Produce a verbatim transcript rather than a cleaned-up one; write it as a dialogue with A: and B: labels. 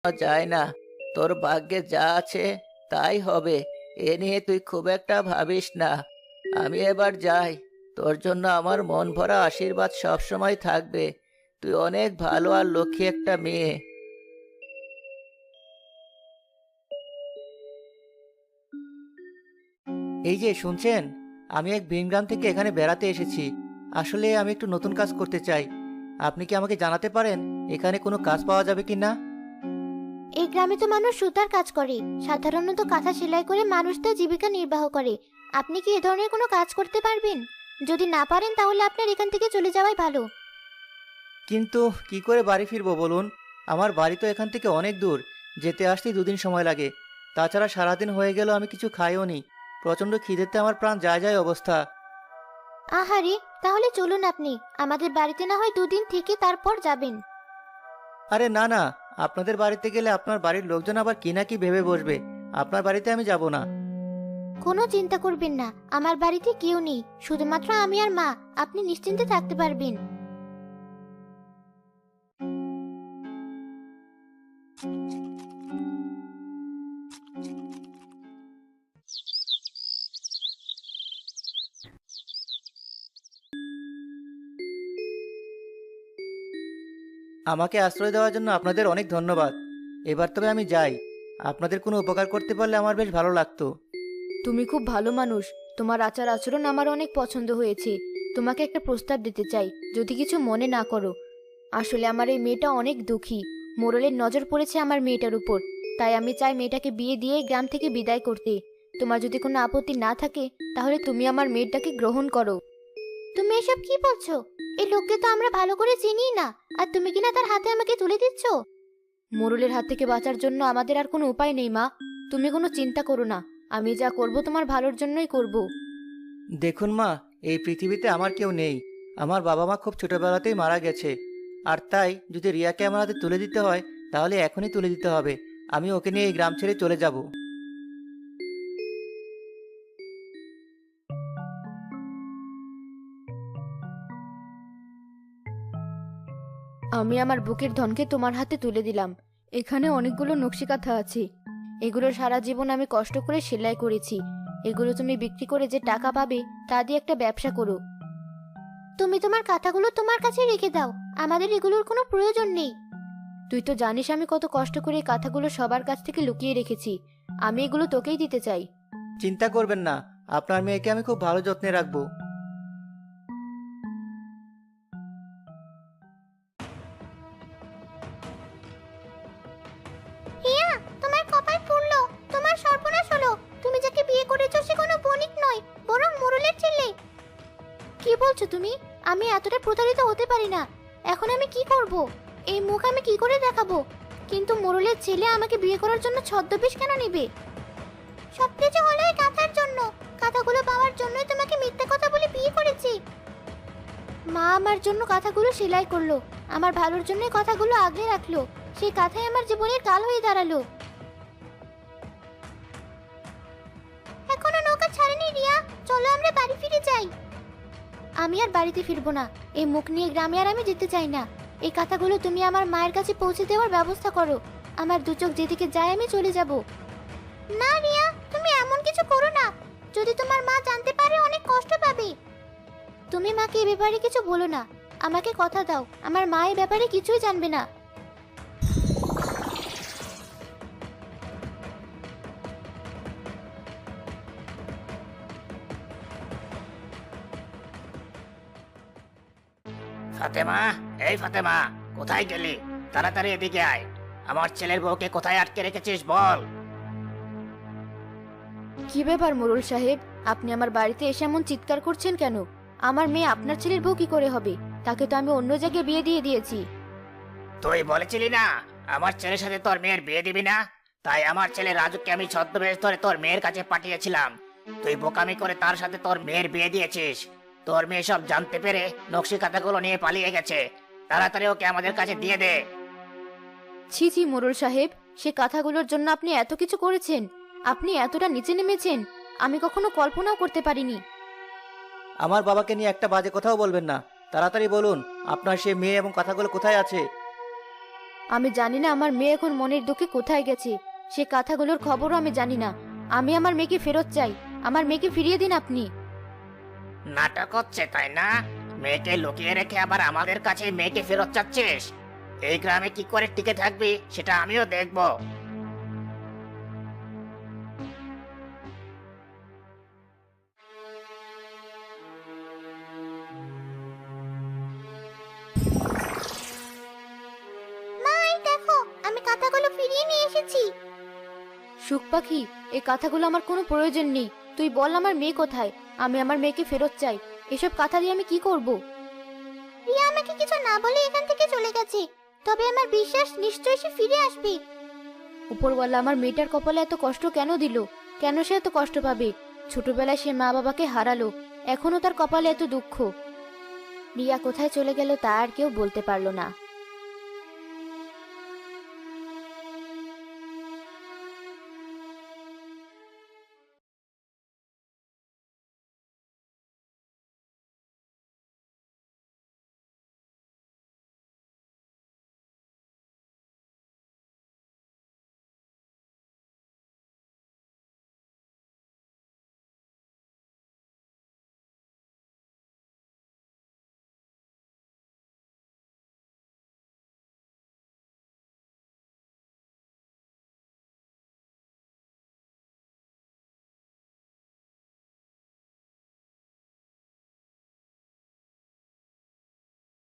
A: যায় না। তোর ভাগ্যে যা আছে তাই হবে। এ নিয়ে তুই খুব একটা ভাবিস না। আমি এবার যাই। তোর জন্য আমার মন ভরা আশীর্বাদ সব সময় থাকবে। তুই অনেক ভালো আর লক্ষ্মী একটা মেয়ে। এই যে শুনছেন, আমি এক ভিনগ্রাম থেকে এখানে বেড়াতে এসেছি। আসলে আমি একটু নতুন কাজ করতে চাই। আপনি কি আমাকে জানাতে পারেন এখানে কোনো কাজ পাওয়া যাবে কি না?
B: এই গ্রামে তো মানুষ সুতার কাজ করে, সাধারণত কাঁথা সেলাই করে মানুষ তার জীবিকা নির্বাহ করে। আপনি কি এ ধরনের কোনো কাজ করতে পারবেন? যদি না পারেন তাহলে আপনার এখান থেকে চলে যাওয়াই ভালো।
A: কিন্তু কি করে বাড়ি ফিরবো বলুন? আমার বাড়ি তো এখান থেকে অনেক দূর। যেতে আসতেই দুদিন সময় লাগে। তাছাড়া সারাদিন হয়ে গেল আমি কিছু খাইও নি। প্রচন্ড খিদেতে আমার প্রাণ যায় যায় অবস্থা।
B: আহারে, তাহলে চলুন, আপনি আমাদের বাড়িতে না হয় দুদিন থেকে তারপর যাবেন।
A: আরে না না, আপনাদের বাড়িতে গেলে আপনার বাড়ির লোকজন আবার কি না কি ভেবে বসবে। আপনার বাড়িতে আমি যাব না।
B: কোনো চিন্তা করবেন না, আমার বাড়িতে কেউ নেই, শুধুমাত্র আমি আর মা। আপনি নিশ্চিন্তে থাকতে পারবেন।
A: আমাকে আশ্রয় দেওয়ার জন্য আপনাদের অনেক ধন্যবাদ। এবার তবে আমি যাই। আপনাদের কোনো উপকার করতে পারলে আমার বেশ ভালো লাগতো।
C: তুমি খুব ভালো মানুষ। তোমার আচার আচরণ আমার অনেক পছন্দ হয়েছে। তোমাকে একটা প্রস্তাব দিতে চাই, যদি কিছু মনে না করো। আসলে আমার এই মেয়েটা অনেক দুঃখী। মোড়লের নজর পড়েছে আমার মেয়েটার উপর। তাই আমি চাই মেয়েটাকে বিয়ে দিয়ে গ্রাম থেকে বিদায় করতে। তোমার যদি কোনো আপত্তি না থাকে তাহলে তুমি আমার মেয়েটাকে গ্রহণ করো।
B: তুমি এসব কি বলছো? এই লোককে তো আমরা ভালো করে চিনি না, আর তুমি কিনা তার হাতে আমাকে তুলে দিচ্ছ।
C: মোড়লের হাত থেকে বাঁচার জন্য আমাদের আর কোনো উপায় নেই মা। তুমি কোনো চিন্তা করো না। আমি যা করব তোমার ভালোর জন্যই করব।
A: দেখুন মা, এই পৃথিবীতে আমার কেউ নেই। আমার বাবা মা খুব ছোটবেলাতেই মারা গেছে। আর তাই যদি রিয়াকে আমার হাতে তুলে দিতে হয় তাহলে এখনই তুলে দিতে হবে। আমি ওকে নিয়ে এই গ্রাম ছেড়ে চলে যাব।
C: আমি আমার বুকের ধনকে তোমার হাতে তুলে দিলাম। এখানে অনেকগুলো নকশি কাঁথা আছে। এগুলো সারা জীবন আমি কষ্ট করে সেলাই করেছি। এগুলো তুমি বিক্রি করে যে টাকা পাবে তা দিয়ে একটা ব্যবসা করো।
B: তুমি তোমার কাঁথাগুলো তোমার কাছে রেখে দাও, আমাদের এগুলোর কোনো প্রয়োজন নেই।
C: তুই তো জানিস আমি কত কষ্ট করে এই কাঁথাগুলো সবার কাছ থেকে লুকিয়ে রেখেছি। আমি এগুলো তোকেই দিতে চাই।
A: চিন্তা করবেন না, আপনার মেয়েকে আমি খুব ভালো যত্নে রাখবো।
B: হিয়া, তোমার কপাল পুড়লো, তোমার সর্বনাশ হলো। তুমি যাকে বিয়ে করেছো সে কোনো বণিক নয়, বরং মোড়লের ছেলে। কি বলছো তুমি? আমি এতটা প্রতারিত হতে পারি না। এখন আমি কি করব? এই মুখ আমি কি করে দেখাবো? কিন্তু মোড়লের ছেলে আমাকে বিয়ে করার জন্য ছদ্মবেশ কেন নেবে? সবকিছু হলো এই কাঁথার জন্য। কাঁথাগুলো পাওয়ার জন্যই তোমাকে মিথ্যা কথা বলে বিয়ে করেছি। মা আমার জন্য কাঁথাগুলো সেলাই করলো, আমার ভালোর জন্যই কথাগুলো আগলে রাখলো। সেই কাঁথাই আমার জীবনের কাল হয়ে দাঁড়ালো। এখনো নৌকা ছাড়েনি রিয়া, চলো আমরা বাড়ি ফিরে যাই। আমি আর বাড়িতে ফিরবো না। এই মুখ নিয়ে গ্রামে আর আমি যেতে চাই না। এই কথাগুলো তুমি আমার মায়ের কাছে পৌঁছে দেওয়ার ব্যবস্থা করো। আমার দু চোখ যেদিকে যায় আমি চলে যাব। না রিয়া, তুমি এমন কিছু করো না। যদি তোমার মা জানতে পারে অনেক কষ্ট পাবে। তুমি মাকে এ ব্যাপারে কিছু বলো না। আমাকে কথা দাও, আমার মা এই ব্যাপারে কিছুই জানবে না।
D: ফাতেমা, এই ফাতেমা, কোথায় গেলি? তাড়াতাড়ি এদিকে আয়। আমার ছেলের বউকে কোথায় আটকে রেখেছিস বল।
C: কি ব্যাপার মোড়ল সাহেব, আপনি আমার বাড়িতে এসে এমন চিৎকার করছেন কেন? আমার মেয়ে আপনার ছেলের বউ কি করে হবে? তাকে তো আমি অন্য জায়গায় বিয়ে দিয়ে দিয়েছি।
D: তুই বলেছিলি না আমার ছেলের সাথে তোর মেয়ের বিয়ে দিবি না? তাই আমার ছেলে রাজুকে আমি ছদ্মবেশ ধরে তোর মেয়ের কাছে পাঠিয়েছিলাম। তুই বোকামি করে তার সাথে তোর মেয়ের বিয়ে দিয়েছিস। তোর মেয়ে সব জানতে পেরে নকশি কাঁথাগুলো নিয়ে পালিয়ে গেছে। তাড়াতাড়ি ওকে আমাদের কাছে দিয়ে দে।
C: ছি ছি মোড়ল সাহেব, সে কথাগুলোর জন্য আপনি এত কিছু করেছেন? আপনি এতটা নিচে নেমেছেন আমি কখনো কল্পনাও করতে পারিনি।
A: আমার বাবাকে নিয়ে একটা বাজে কথাও বলবেন না। তাড়াতাড়ি বলুন আপনার সে মেয়ে এবং কথাগুলো কোথায় আছে।
C: আমি জানি না আমার মেয়ে এখন মনের দুঃখে কোথায় গেছে। সে কথাগুলোর খবরও আমি জানি না। আমি আমার মেয়েকে ফেরত চাই। আমার মেয়েকে ফিরিয়ে দিন আপনি।
D: নাটক হচ্ছে তাই না? মেয়েকে লুকিয়ে রেখে আবার আমাদের কাছে মেয়েকে ফেরত চাচ্ছিস? এই গ্রামে কি করে টিকে থাকবি সেটা আমিও দেখবো।
B: মা, এই দেখো, আমি কাঁথাগুলো ফিরিয়ে নিয়ে এসেছি।
C: সুখ পাখি, এই কথাগুলো আমার কোনো প্রয়োজন নেই। তুই বল আমার মেয়ে কোথায়? আমি আমার মেয়েকে ফেরত চাই। এসব কথা দিয়ে আমি কি করব?
B: রিয়া আমাকে কিছু না বলে এখান থেকে চলে গেছে, তবে আমার বিশ্বাস নিশ্চয়ই সে ফিরে আসবে।
C: উপরওয়ালা আমার মেয়েটার কপালে এত কষ্ট কেন দিল? কেন সে এত কষ্ট পাবে? ছোটবেলায় সে মা বাবাকে হারালো, এখনো তার কপালে এত দুঃখ। রিয়া কোথায় চলে গেল তা আর কেউ বলতে পারলো না।